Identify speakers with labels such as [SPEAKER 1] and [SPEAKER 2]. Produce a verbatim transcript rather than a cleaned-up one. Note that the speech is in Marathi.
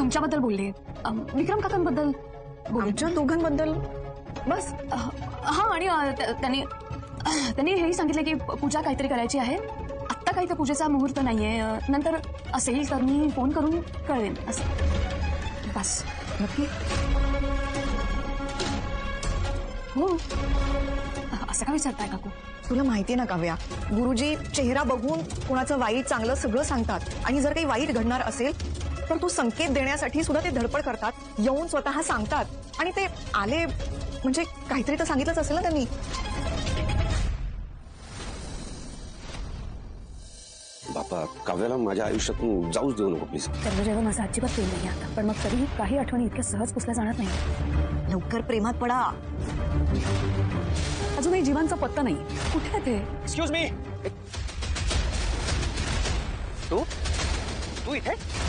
[SPEAKER 1] तुमच्याबद्दल बोलले, विक्रम काकांबद्दल बोलले.
[SPEAKER 2] आमच्या दोघांबद्दल
[SPEAKER 1] बस. हा, आणि त्यांनी त्यांनी हेही सांगितलं की पूजा काहीतरी करायची आहे. आत्ता काही तर पूजेचा मुहूर्त नाहीये, नंतर असेल तर मी फोन करून कळवेन असं. बस.
[SPEAKER 2] नक्की?
[SPEAKER 1] हो. असं का विचारताय काकू?
[SPEAKER 2] तुला माहिती ना काव्या, गुरुजी चेहरा बघून कुणाचं वाईट चांगलं सगळं सांगतात. आणि जर काही वाईट घडणार असेल तर तो संकेत देण्यासाठी सुद्धा ते धडपड करतात, येऊन स्वतः सांगतात. आणि ते आले म्हणजे काहीतरी तर सांगितलंच असेल ना त्यांनी.
[SPEAKER 3] बापा, काव्याला माझ्या आयुष्यातून जाऊच देऊ नको प्लीज.
[SPEAKER 1] त्याला जेव्हा माझं अजिबात प्रेम नाही आता, पण मग तरीही काही आठवणी इतक्या सहज पुसल्या जाणार नाही.
[SPEAKER 2] लवकर प्रेमात पडा.
[SPEAKER 1] अजूनही जीवांचा पत्ता नाही. कुठे आहे ते?
[SPEAKER 3] Excuse me. तू तू इथे